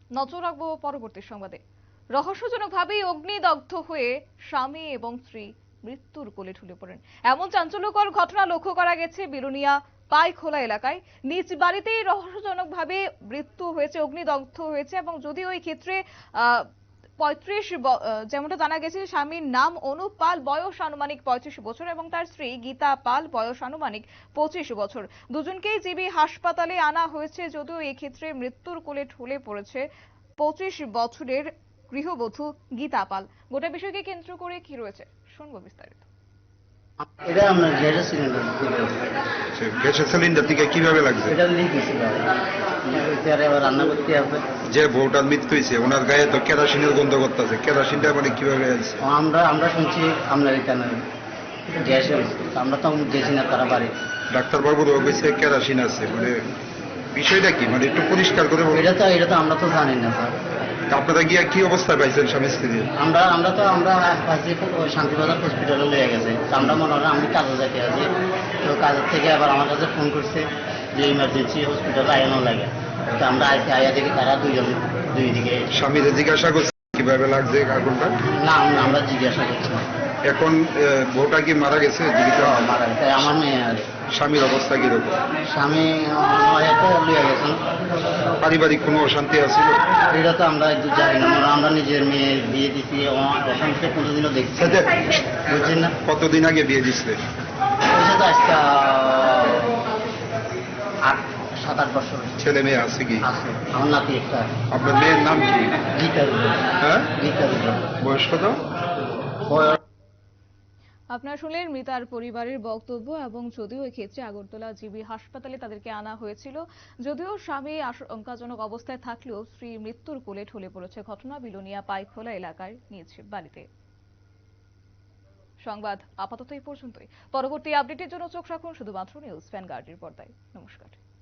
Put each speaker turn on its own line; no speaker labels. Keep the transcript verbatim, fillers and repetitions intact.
নজর রাখবো পরবর্তী সংবাদে। রহস্যজনকভাবেই অগ্নিদগ্ধ হয়ে স্বামী এবং স্ত্রী মৃত্যুর কোলে ঢলে পড়েন, এমন চাঞ্চল্যকর ঘটনা লক্ষ্য করা গেছে বিলোনিয়া পাইখোলা এলাকায়। নিজ বাড়িতেই রহস্যজনকভাবে মৃত্যু হয়েছে, অগ্নিদগ্ধ হয়েছে। এবং যদিও এই ক্ষেত্রে আহ পঁয়ত্রিশ, যেমনটা জানা গেছে, স্বামীর নাম অনুপ পাল, বয়স আনুমানিক পঁয়ত্রিশ বছর, এবং তার স্ত্রী গীতা পাল, বয়স আনুমানিক পঁচিশ বছর। দুজনকেই জিবি হাসপাতালে আনা হয়েছে, যদিও এই ক্ষেত্রে মৃত্যুর কোলে ঢলে পড়েছে পঁচিশ বছরের গৃহবধূ গীতা পাল। গোটা বিষয়কে কেন্দ্র করে কি রয়েছে শুনবো বিস্তারিত।
এটা আমরা গ্যাসের সিলিন্ডার
গ্যাসের সিলিন্ডার থেকে কিভাবে লাগছে?
এটা লিক হয়েছিল, এবার এবার রান্না করতে হবে।
যে বউটার মৃত্যু হয়েছে ওনার গায়ে তো কেরোসিনের গন্ধ করতেছে, কেরোসিনটা মানে কিভাবে আছে?
আমরা আমরা শুনছি আপনার এখানে গ্যাস হয়েছে, আমরা তো গেছি না তারা বাড়ি।
ডাক্তারবাবুরও কইছে কেরোসিন আছে, মানে বিষয়টা কি, মানে একটু পরিষ্কার করে বলুন।
এটা তো এটা তো আমরা তো জানি না স্যার।
আপনারা গিয়া কি অবস্থায় পাইছেন স্বামী স্ত্রী?
আমরা আমরা তো আমরা আজকে শান্তিবাজার হসপিটালে লেগে গেছে, আমরা মনে হয় আমি কাজে যেতে আছি, তো কাজের থেকে আবার আমার কাছে ফোন করছে যে ইমার্জেন্সি হসপিটালে আয়ানো লাগে। তো আমরা আইতে আয়া দেখি তারা দুইজন দুই দিকে।
স্বামীদের জিজ্ঞাসা করছে কিভাবে লাগছে আগুনটা?
না আমরা জিজ্ঞাসা করছি।
এখন বউটা কি মারা গেছে? জীবিত
মারা গেছে আমার মেয়ে। আর
স্বামীর অবস্থা কিরকম?
স্বামী লইয়া গেছেন।
পারিবারিক কোনো অশান্তি আছে?
এটা তো আমরা জানি না, আমরা নিজের মেয়ে বিয়ে দিচ্ছি, অশান্তি কোনোদিনও দেখছি বুঝছেন না।
কতদিন আগে বিয়ে দিচ্ছে?
তো আজকে আট সাত আট বছর।
ছেলে মেয়ে আছে কি?
আছে, আমার নাতি একটা।
আপনার মেয়ের নাম কি?
গীতা।
হ্যাঁ,
গীতা।
বয়স কত?
আপনারা শুনলেন মৃতার পরিবারের বক্তব্য। এবং যদিও এক্ষেত্রে আগরতলা জিবি হাসপাতালে তাদেরকে আনা হয়েছিল, যদিও স্বামী আশঙ্কাজনক অবস্থায় থাকলেও স্ত্রী মৃত্যুর কোলে ঢলে পড়েছে। ঘটনা বিলোনিয়া পাইখোলা এলাকার নিজ বাড়িতে। সংবাদ আপাতত এই পর্যন্তই। পরবর্তী আপডেটের জন্য চোখ রাখুন শুধুমাত্র নিউজ ভ্যানগার্ডের পর্দায়। নমস্কার।